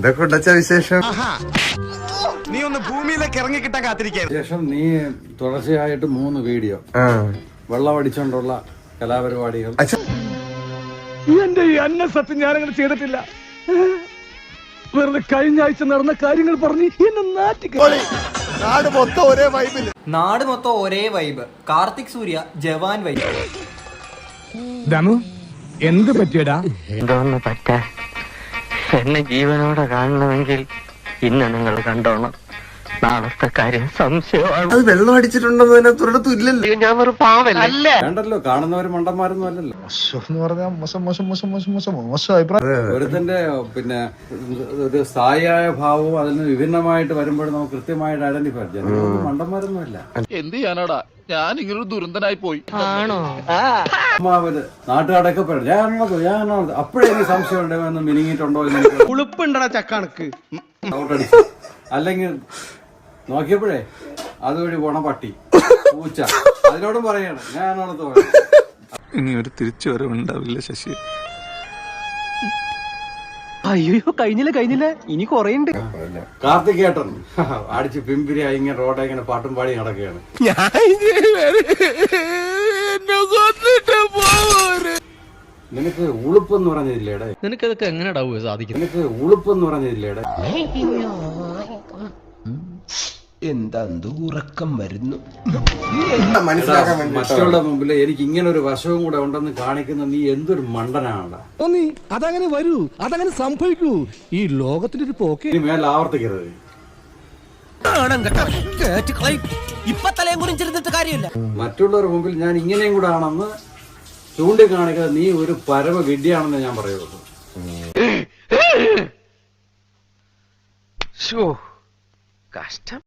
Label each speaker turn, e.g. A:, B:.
A: എന്തൊക്കെ ഉണ്ടച്ച വിശേഷം?
B: നീ ഒന്ന് ഭൂമിയിലേക്ക് ഇറങ്ങി കിട്ടാൻ കാത്തിരിക്കാൻ
C: ശേഷം നീ തുടർച്ചയായിട്ട് 3 വീഡിയോ വെള്ളമടിച്ചോണ്ടുള്ള കലാപരിപാടികൾ.
D: എന്റെ ഈ അന്ന സത്യം ഞാനങ്ങനെ ചെയ്തിട്ടില്ല. വെറുതെ കഴിഞ്ഞ ആഴ്ച നടന്ന കാര്യങ്ങൾ പറഞ്ഞ് എന്നെ നാട്ടിക്കളി.
B: നാട് മൊത്തം ഒരേ വൈബിൽ,
E: നാട് മൊത്തം ഒരേ വൈബ്. കാർത്തിക് സൂര്യ ജവാൻ വൈബ്.
D: ദമു എന്ത് പറ്റിയടാ?
F: എന്തോന്ന് പറ്റാ? എന്നെ ജീവനോടെ കാണണമെങ്കിൽ ഇന്ന് നിങ്ങൾ കണ്ടോണം. നാളത്തെ കാര്യം സംശയമാണ്.
A: അത് വെള്ളം അടിച്ചിട്ടുണ്ടെന്ന് അതിനകത്ത് ഒരിടത്തും ഇല്ലല്ലോ.
F: ഞാൻ ഒരു പാവല്ലേ.
C: വേണ്ടല്ലോ, കാണുന്നവര് മണ്ടന്മാരൊന്നും അല്ലല്ലോ. ഒരുത്തന്റെ പിന്നെ ഒരു സ്ഥായിയായ ഭാവവും അതിന് വിഭിന്നമായിട്ട് വരുമ്പോഴും നമുക്ക് കൃത്യമായിട്ട് ഐഡന്റിഫൈ ചെയ്യാം. മണ്ടന്മാരൊന്നും അല്ല.
G: എന്ത് ചെയ്യാനാടാ, ഞാൻ ഇങ്ങനൊരു ദുരന്തനായി പോയി.
C: അമ്മാവര് നാട്ടുകാരൊക്കെ പറയും ഞാനാണത് അപ്പോഴേ എനിക്ക് സംശയം ഉണ്ടെന്ന് മിനിങ്ങിയിട്ടുണ്ടോ എന്ന്
B: ഉളുപ്പുണ്ടടാ ചക്കണക്ക്.
C: ഔട്ടടിച്ചു. അല്ലെങ്കിൽ നോക്കിയപ്പോഴേ അതുവഴി പോണ പട്ടി പൂച്ച അതിനോടും പറയാണ് ഞാനാണത് പറയുന്നത്.
G: ഇനി ഒരു തിരിച്ചു വരവുണ്ടാവില്ല ശശി.
E: അയ്യോ കഴിഞ്ഞില്ല ഇനി കൊറേണ്ട്.
C: കാർത്തികേട്ടൻ അടിച്ച് പിമ്പിരിയാ ഇങ്ങനെ റോഡെ ഇങ്ങനെ പാട്ടും പാടി നടക്കുകയാണ്. നിനക്ക് ഉളുപ്പെന്ന് പറഞ്ഞില്ലേടെ?
E: നിനക്കതൊക്കെ എങ്ങനെയാ സാധിക്കും?
C: നിനക്ക് ഉളുപ്പെന്ന് പറഞ്ഞില്ലേടെ?
H: എന്താ ഉറക്കം വരുന്നു.
A: മനസ്സിലാക്കാൻ വേണ്ടി
C: മറ്റുള്ള മുമ്പിൽ എനിക്ക് ഇങ്ങനെ ഒരു വശവും കൂടെ ഉണ്ടെന്ന് കാണിക്കുന്ന നീ എന്തൊരു മണ്ടനാണ്.
D: അതങ്ങനെ വരൂ, അതങ്ങനെ സംഭവിക്കൂ. ഈ ലോകത്തിന്റെ ഒരു പോക്ക്
C: ഇനി മേലെ ആവർത്തിക്കരുത്. മറ്റുള്ളവരുടെ മുമ്പിൽ ഞാൻ ഇങ്ങനെയും കൂടെ ആണെന്ന് ചൂണ്ടിക്കാണിക്കാതെ നീ ഒരു പരമ വിഡ്ഢിയാണെന്ന് ഞാൻ പറയുള്ളൂ.
F: കഷ്ടം.